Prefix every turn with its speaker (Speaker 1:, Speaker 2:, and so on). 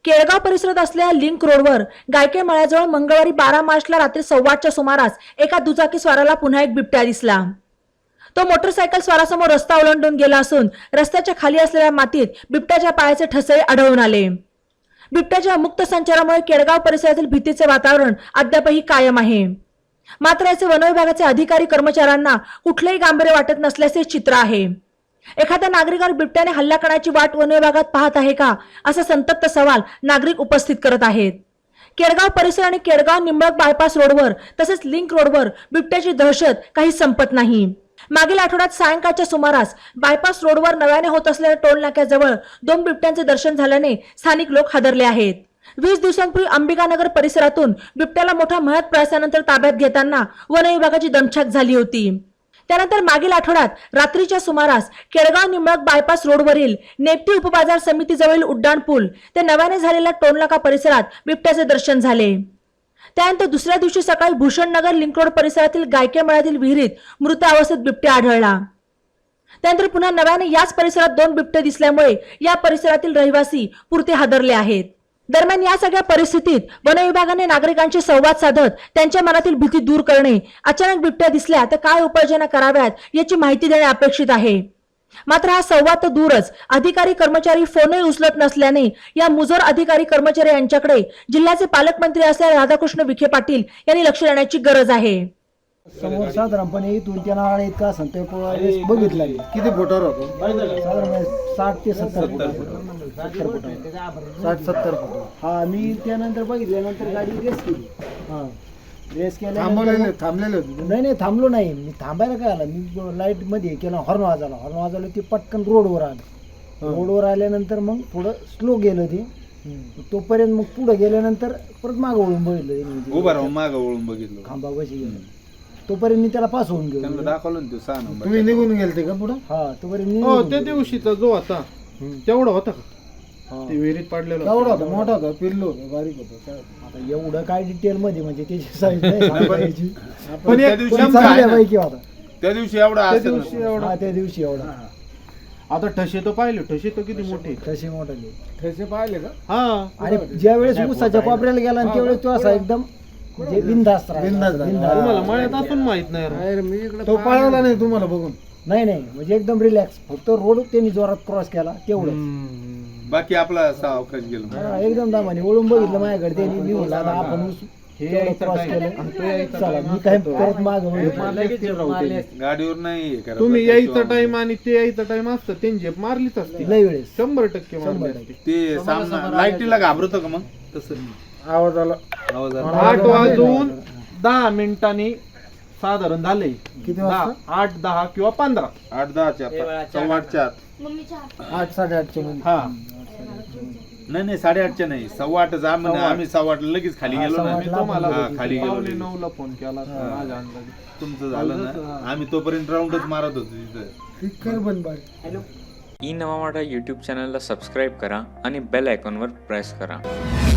Speaker 1: केळगाव परिसरात असलेल्या लिंक रोडवर गायके मळ्याजवळ मंगळवारी 12 मार्चला रात्री 8:15च्या सुमारास एका दुचाकी स्वाराला पुन्हा एक बिबट्या दिसला। तो मोटरसायकल स्वारासमोर रस्ता ओलांडून गेला असून रस्त्याच्या खाली असलेल्या मातीत बिबट्याच्या पायाचे ठसे आढळून आले। बिबट्याच्या मुक्त संचारामुळे केळगाव परिसरातील भीतीचे वातावरण अद्यापही कायम आहे। मात्र याचे वन विभागाचे अधिकारी कर्मचाऱ्यांना कुठलेही गांभीर्य वाटत नसल्याचे चित्र आहे। एखाद्या नागरिकावर बिबट्याने हल्ला करण्याची वाट वन विभागात पाहत आहे का, असा संतप्त सवाल नागरिक उपस्थित करत आहेत। केळगाव परिसर आणि केळगाव निंबळक बायपास रोडवर तसेच लिंक रोडवर बिबट्याची दहशत काही संपत नाही। मागील आठवड्यात सायंकाळच्या सुमारास बायपास रोडवर नव्याने होत असलेल्या टोल नाक्याजवळ 2 बिबट्यांचे दर्शन झाल्याने स्थानिक लोक हादरले आहेत। 20 दिवसांपूर्वी अंबिकानगर परिसरातून बिबट्याला मोठ्या मेहनत प्रयासानंतर ताब्यात घेताना वन विभागाची दमछाक झाली होती। त्यानंतर मागील आठवड्यात रात्रीच्या सुमारास केळगाव निंबळक बायपास रोडवरील नेप्ती उपबाजार समितीजवळील उड्डाण पूल ते नव्याने झालेल्या टोलनाका परिसरात बिबट्याचे दर्शन झाले। त्यानंतर दुसऱ्या दिवशी सकाळी भूषणनगर लिंक रोड परिसरातील गायके मळ्यातील विहिरीत मृत अवस्थेत बिबट्या आढळला। त्यानंतर पुन्हा नव्याने याच परिसरात 2 बिबटे दिसल्यामुळे या परिसरातील रहिवासी पुरते हादरले आहेत। दरम्यान या सगळ्या परिस्थितीत वन विभागाने नागरिकांशी संवाद साधत त्यांच्या मनातील भीती दूर करणे, अचानक बिबट्या दिसल्या तर काय उपाययोजना कराव्यात याची माहिती देणे अपेक्षित आहे। मात्र हा संवाद तर दूरच, अधिकारी कर्मचारी फोनही उचलत नसल्याने या मुजोर अधिकारी कर्मचारी यांच्याकडे जिल्ह्याचे पालकमंत्री असलेले राधाकृष्ण विखे पाटील यांनी लक्ष देण्याची गरज आहे।
Speaker 2: समोर साधारणपणे इथून त्या नाळा इतका संत बघितला
Speaker 3: किती फुटावर होतो?
Speaker 2: साधारण 60 ते 70 फूट 60-70 फूट। हा, मी त्यानंतर बघितल्यानंतर गाडी रेस केली। हा, रेस केल्यानंतर
Speaker 3: थांबलेले होते?
Speaker 2: नाही थांबलो नाही मी। थांबायला काय आला, मी लाईट मध्ये केला, हॉर्न वाजवला ते पटकन रोडवर आलं। रोडवर आल्यानंतर मग थोडं स्लो गेलं ते, तोपर्यंत मग पुढे गेल्यानंतर परत मागं वळून बघितलं,
Speaker 3: उभा राहून मागं वळून बघितलं,
Speaker 2: खांबा बशी गेलो। तोपर्यंत मी त्याला पास होऊन गेलो।
Speaker 3: त्यांना दाखवलं ना ते 6 नंबर। तुम्ही निघून गेलते का पुढे?
Speaker 2: हा, तोपर्यंत
Speaker 4: हो, त्या दिवशीचा जो होता तेवढा होता का? ते विहिरीत पडलेला
Speaker 2: तेवढा होता, मोठा होता, पिल्लो होता, बारीक होता। आता एवढं काय डिटेल मध्ये म्हणजे त्याची साईज नाही सांगायची,
Speaker 4: पण
Speaker 3: त्या
Speaker 4: एक
Speaker 3: दिवशी
Speaker 2: चांगल्यापैकी होता।
Speaker 3: त्या दिवशी एवढा
Speaker 4: त्या
Speaker 3: असेल
Speaker 4: दिवशी
Speaker 3: ना.
Speaker 4: एवढा.
Speaker 2: हा, त्या दिवशी एवढा।
Speaker 4: आता ठसे तर पाहिले, ठसे तर किती मोठे.
Speaker 2: तसे मोठाले
Speaker 3: ठसे पाहिले का?
Speaker 4: हा,
Speaker 2: आणि ज्या वेळेस ऊसाच्या कोपऱ्याला गेला आणि त्यावेळेस तो असा एकदम म्हणजे बिनधास्त राहिला।
Speaker 4: तुम्हाला मळ्यात असून माहित नाही राव.
Speaker 3: तो पळवला नाही तुम्हाला बघून?
Speaker 2: नाही म्हणजे एकदम रिलॅक्स, फक्त रोड त्यांनी जोरात क्रॉस केला तेवढं।
Speaker 3: बाकी आपला असा अवकाश गेला।
Speaker 2: एकदम दामाने वळून बघितलं माझ्याकडे, त्यांनी मी म्हणलं आता आपण ऊस तेवढं क्रॉस केलं, चला मी काय परत मागं वळलो।
Speaker 3: गाडीवर नाही हे करत.
Speaker 4: तुम्ही यायचा टाइम आणि ते यायचा टाइम असतं, त्यांनी झेप मारलीच असते
Speaker 2: लय वेळेस
Speaker 4: 100% मारली असते.
Speaker 3: ते सामना लाईटीला घाबरतो का मग? तसं
Speaker 4: आवाज आला,
Speaker 3: आवाज आला.
Speaker 4: 8 वाजून 10 मिनिटांनी साधारण झाले।
Speaker 2: किती वाजता?
Speaker 4: 8, 10 किंवा 15.
Speaker 3: 8-10च्या 8:15च्या आत.
Speaker 2: 8-8:30 मध्ये।
Speaker 4: हा,
Speaker 3: नाही 8:30च्या नाही, 8:15 जा म्हणे। आम्ही 8:15 लगेच खाली गेलो ना।
Speaker 2: 8:15
Speaker 4: तुम्हाला
Speaker 3: हा, खाली गेलो.
Speaker 4: 9:45 ला फोन केला होता माझ्या अंदाजे.
Speaker 3: तुमचं झालं ना, आम्ही तोपर्यंत राऊंडच मारत होतो तिथं।
Speaker 5: ई नवा मराठा यूट्यूब चॅनलला सबस्क्राईब करा आणि बेल आयकॉनवर प्रेस करा।